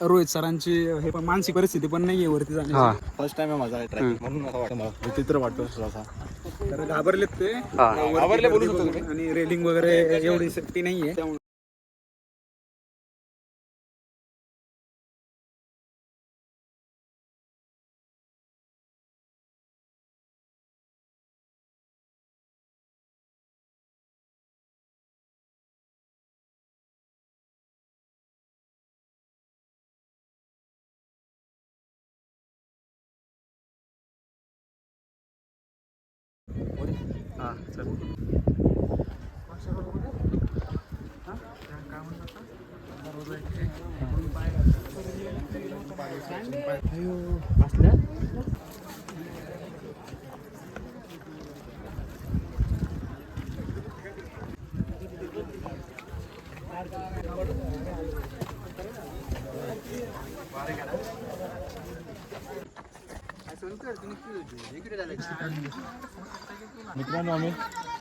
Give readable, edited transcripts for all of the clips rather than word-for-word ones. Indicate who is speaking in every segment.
Speaker 1: रोहित सरांची हे पण मानसिक परिस्थिती पण नाहीये वरती जाण्याची.
Speaker 2: फर्स्ट टाइम आहे माझा ट्रॅकिंग म्हणून असं वाटतं मला विचित्र वाटतो थोडासा.
Speaker 1: तर घाबरलेत ते
Speaker 2: घाबरले बोलू शकतो तुम्ही.
Speaker 1: आणि रेलिंग वगैरे एवढी सेफ्टी नाहीये त्यामुळे
Speaker 2: मित्रांनो आम्ही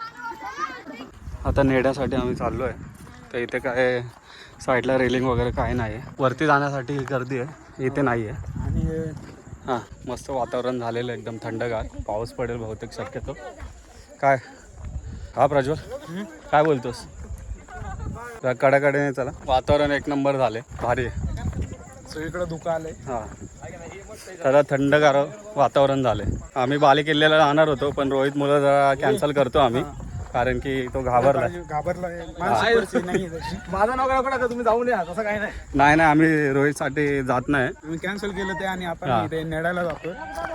Speaker 3: आता नेण्यासाठी आम्ही चाललो आहे. तर इथे काय साईडला रेलिंग वगैरे काय नाही आहे. वरती जाण्यासाठी गर्दी आहे, इथे नाही आहे.
Speaker 1: आणि
Speaker 3: हां, मस्त वातावरण झालेलं एकदम थंडगार. पाऊस पडेल बहुतेक शक्यतो. काय हा प्रज्वल काय बोलतोस? कडाकडेने चला, वातावरण एक नंबर झाले, भारी आहे.
Speaker 1: सगळीकडे धुकं आलंय.
Speaker 3: हां, जरा थंडगार वातावरण झाले. आम्ही बाले किल्ल्याला जाणार होतो पण रोहित मुलं जरा कॅन्सल करतो आम्ही, कारण की तो घाबरला.
Speaker 1: मानसिक परिस्थिती नाहीये त्याची.
Speaker 2: माझं नाव काय करा तुम्ही जाऊन या तसं काही नाही.
Speaker 3: नाही आम्ही रोहितसाठी जात नाही.
Speaker 1: आम्ही कॅन्सल केलं ते आणि आपण इथे नेडायला जातो.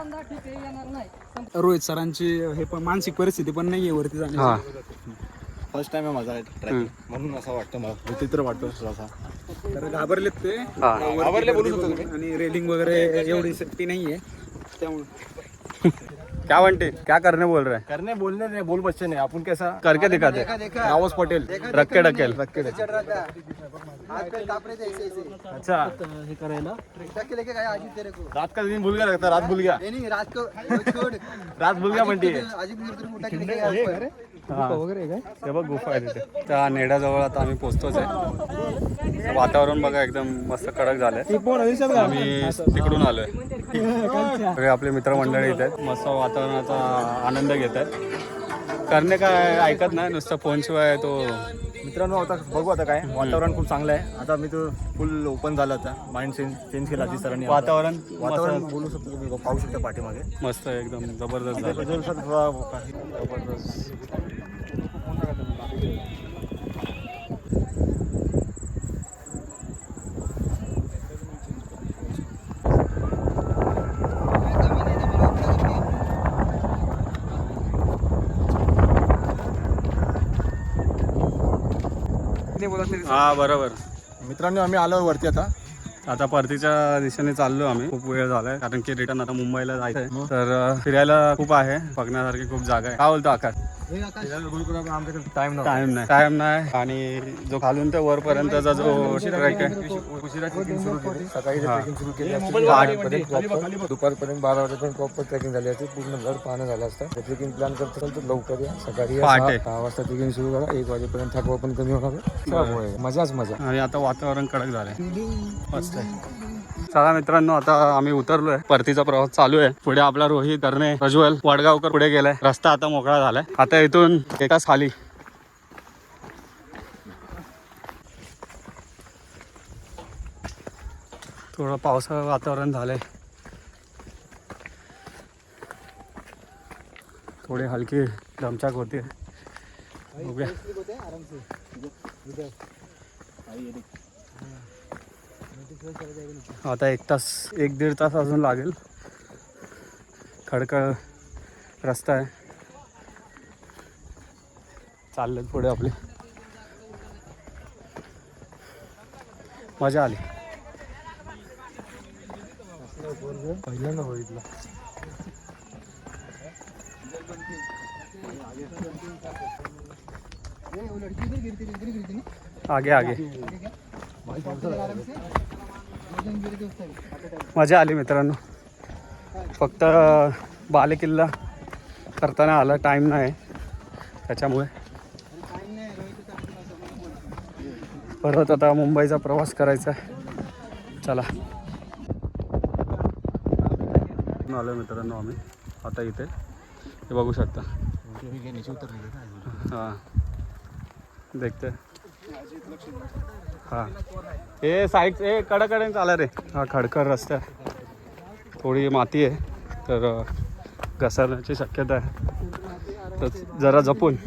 Speaker 1: रोहित सरांची हे पण मानसिक परिस्थिती पण नाहीये वरती जाण्याची.
Speaker 2: फर्स्ट टाइम आहे माझा ट्रॅकिंग म्हणून असं वाटतं मला विचित्र वाटतो थोडासा.
Speaker 1: तर घाबरलेत ते
Speaker 2: घाबरले बोलू शकतो तुम्ही.
Speaker 1: आणि रेलिंग वगैरे एवढी सेफ्टी नाहीये त्यामुळे.
Speaker 3: क्या बनते, क्या करने बोल रहे हैं?
Speaker 2: करने बोलने नहीं बोल बच्चे नहीं अपन कैसा
Speaker 3: करके दिखाते.
Speaker 2: रावस पटेल
Speaker 3: रक्के ढकेल.
Speaker 2: अच्छा हे करायला रात का दिन भूल गया लगता रात भूल गया रात भूल गया म्हणते.
Speaker 3: ते बघ गुफा आहे तिथे. त्या नेड्याजवळ आता आम्ही पोहोचतोच आहे. वातावरण बघा एकदम मस्त कडक झालंय. आम्ही तिकडून आलोय. सगळे आपले मित्रमंडळी इथे आहेत, मस्त वातावरणाचा आनंद घेत आहेत. करणे काय ऐकत नाही, नुसतं फोनशिवाय तो.
Speaker 2: मित्रांनो आता बघू आता काय वातावरण खूप चांगलं आहे. आता मी तो फुल ओपन झाला आता माइंड चेंज केला आधी सरांनी.
Speaker 3: वातावरण
Speaker 2: बोलू शकतो तुम्ही पाहू शकता पाठीमागे
Speaker 3: मस्त एकदम जबरदस्त झालं.
Speaker 2: जबरदस्त.
Speaker 3: हा बरोबर.
Speaker 2: मित्रांनो आम्ही आलो वरती
Speaker 3: आता परतीच्या दिशेने चाललो आम्ही. खूप वेळ झालाय कारण की रिटर्न आता मुंबईला जायचंय. तर फिरायला खूप आहे, बघण्यासारखी खूप जागा आहे. काय बोलतो आकाश?
Speaker 2: टाइम
Speaker 3: टाइम नाही. आणि जो खालून ते वरपर्यंतचा जो ट्रेक आहे
Speaker 2: उशिरा ट्रेकिंग सुरू केली. सकाळी ट्रेकिंग सुरू केली. दुपारपर्यंत 12 वाजेपर्यंत प्रॉपर ट्रेकिंग झाली असते. पूर्ण घर पाहणं झालं असतं. ट्रेकिंग प्लॅन करत असेल तर लवकर या. सकाळी 6 वाजता ट्रेकिंग सुरू करा. 1 वाजेपर्यंत थकवा पण कमी होणार. मजाच मजा.
Speaker 3: आणि आता वातावरण कडक झालंय, मस्त आहे. चला मित्रांनो, आता आम्ही उतरलोय. परतीचा प्रवास चालू आहे. पुढे आपला रोहित, करणे, प्रज्वल, वडगावकर पुढे गेलाय. रस्ता आता मोकळा झालाय. आता इथून एकाच खाली थोडं पावसाचं वातावरण झालंय. थोडी हलकी दमछाक होती. आता 1-1.5 तास अजून लागेल. खडखड रस्ता आहे. चालले पुढे आपले. मजा आली.
Speaker 2: पहिल्यांदा बघितलं.
Speaker 3: आगे आगे मजा आली मित्रांनो. फक्त बाले किल्ला करताना आला टाईम नाही त्याच्यामुळे. परत आता मुंबईचा प्रवास करायचा आहे. चला आलो मित्रांनो आम्ही आता इथे हे बघू शकता हां देखते हां हे साईड हे कडाकडे चाला रे हा खडखड रस्ता थोडी माती आहे तर घसरण्याची शक्यता आहे तर जरा जपून